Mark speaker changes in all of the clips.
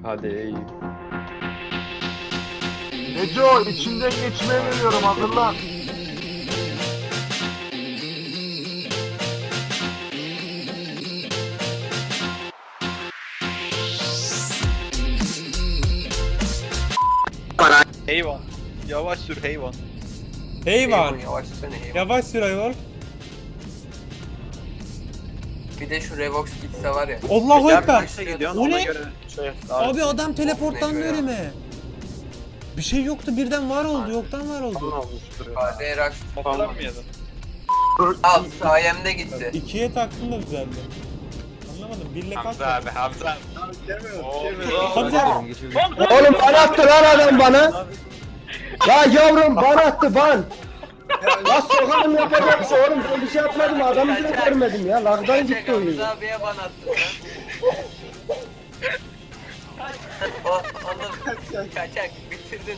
Speaker 1: Hadi iyi.
Speaker 2: Neco içinden geçmeye geliyorum, hazırlan.
Speaker 3: Heyvan. Yavaş sür heyvan.
Speaker 4: Heyvan.
Speaker 5: Yavaş sene heyvan.
Speaker 4: Yavaş sür ayol.
Speaker 5: Bir de şu Revox gitse var ya.
Speaker 4: Allahu
Speaker 3: Gel
Speaker 4: Ekber.
Speaker 3: kaçta gidiyorsun
Speaker 4: O
Speaker 3: ona
Speaker 4: ne?
Speaker 3: göre şey.
Speaker 4: Abi adam teleporttan
Speaker 5: Ne
Speaker 4: böyle mi? Bir şey yoktu birden var oldu,
Speaker 5: Aynen.
Speaker 4: yoktan var oldu.
Speaker 1: olmuştur.
Speaker 5: KD Rax.
Speaker 3: Motorlar mı yedin?
Speaker 5: Al sayemde gitti.
Speaker 4: İkiye taktım da düzeldi. Anlamadım. Birle kaç?
Speaker 3: Hamza abi Hamza.
Speaker 4: Hamza.
Speaker 1: Oğlum bana attı lan adam bana. Ya yavrum bana attı ban. Ya sokalım yapacak bir şey oğlum, ben bir şey yapmadım, adamı bile görmedim ya, lagdan gitti oyun.
Speaker 5: Hamza abiye ban attın lan. Oğlum kaçak bitirdin.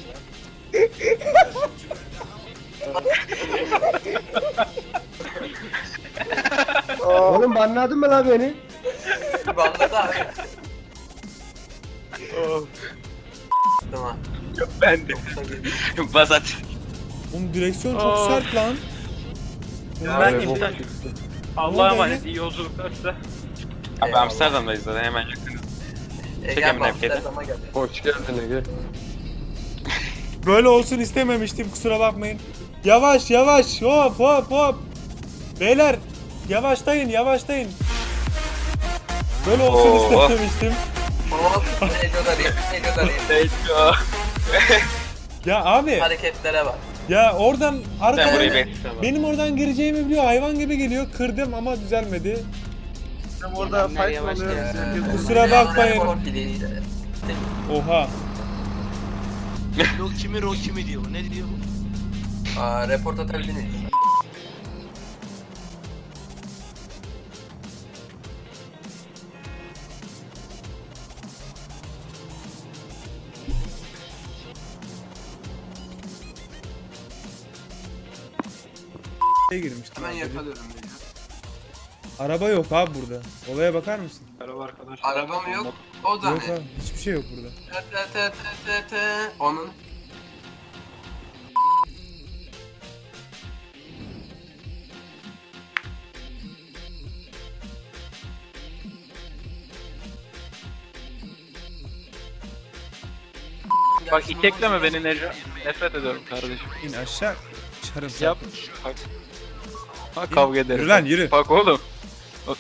Speaker 1: Oğlum banladın mı lan beni?
Speaker 5: Banladı abi. Tamam.
Speaker 3: Ben de. Basat.
Speaker 4: Oğlum direksiyon çok sert lan.
Speaker 3: Ben
Speaker 1: bu-
Speaker 3: iptal.
Speaker 4: Ne
Speaker 3: Allah'a
Speaker 4: oldu
Speaker 3: emanet
Speaker 4: öyle?
Speaker 3: iyi yolculuklar size. Abi
Speaker 5: Eyvallah.
Speaker 3: Amsterdam'dayız zaten hemen yakınız.
Speaker 5: Gel
Speaker 3: Çekelim nefketi.
Speaker 5: Amsterdam'a gel.
Speaker 1: Hoş geldin Ege.
Speaker 4: Böyle olsun istememiştim, kusura bakmayın. Yavaş yavaş, hop hop hop. Beyler yavaşlayın yavaşlayın. Böyle olsun
Speaker 3: Oo.
Speaker 4: istememiştim.
Speaker 5: Hop. Neco da değil. Neco da değil.
Speaker 4: Ya abi
Speaker 5: Hareketlere bak.
Speaker 4: ya oradan
Speaker 3: Ben burayı
Speaker 4: arkaya
Speaker 3: bekliyorum.
Speaker 4: benim oradan gireceğimi biliyor, hayvan gibi geliyor, kırdım ama düzelmedi.
Speaker 2: Orada fight
Speaker 5: Yavaş
Speaker 2: oluyor.
Speaker 5: gel.
Speaker 4: Kusura bakmayın.
Speaker 5: Report değil.
Speaker 4: Oha.
Speaker 6: Roki mi diyor bu? Ne diyor bu?
Speaker 5: Aa, report atabilir
Speaker 4: Girmiştim.
Speaker 5: Hemen yakalıyorum beni.
Speaker 4: Araba yok abi burada. Olaya bakar mısın?
Speaker 3: Merhaba arkadaşlar.
Speaker 5: Araba mı yok? O da
Speaker 4: Yok
Speaker 5: ne?
Speaker 4: abi, hiçbir şey yok burada.
Speaker 5: Onun.
Speaker 3: Bak itekleme beni Neco. Nefret ediyorum kardeşim.
Speaker 4: İn aşağı. Çarım
Speaker 3: Yap. Bak. Bak kavga ederiz.
Speaker 4: Yürü lan yürü.
Speaker 3: Bak oğlum.
Speaker 7: Ay,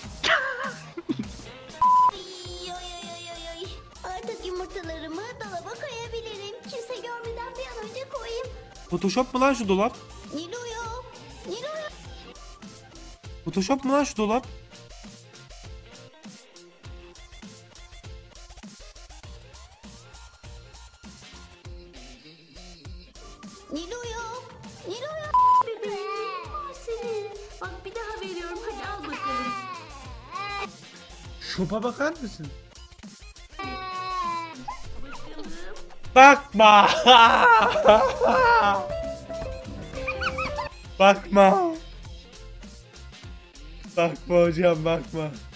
Speaker 7: ay, ay, ay, ay. Artık yumurtalarımı dolaba koyabilirim. Kimse görmeden bir an önce koyayım.
Speaker 4: Photoshop mu lan şu dolap?
Speaker 7: Nilo'ya. Nilo'ya.
Speaker 4: Photoshop mu lan şu dolap?
Speaker 7: Nilo'ya. Nilo'ya. Bebeğim var senin. Bak bir daha veriyorum. Hadi al bakalım.
Speaker 4: Şopa bakar mısın? Bakma. Bakma. Bakma hocam bakma.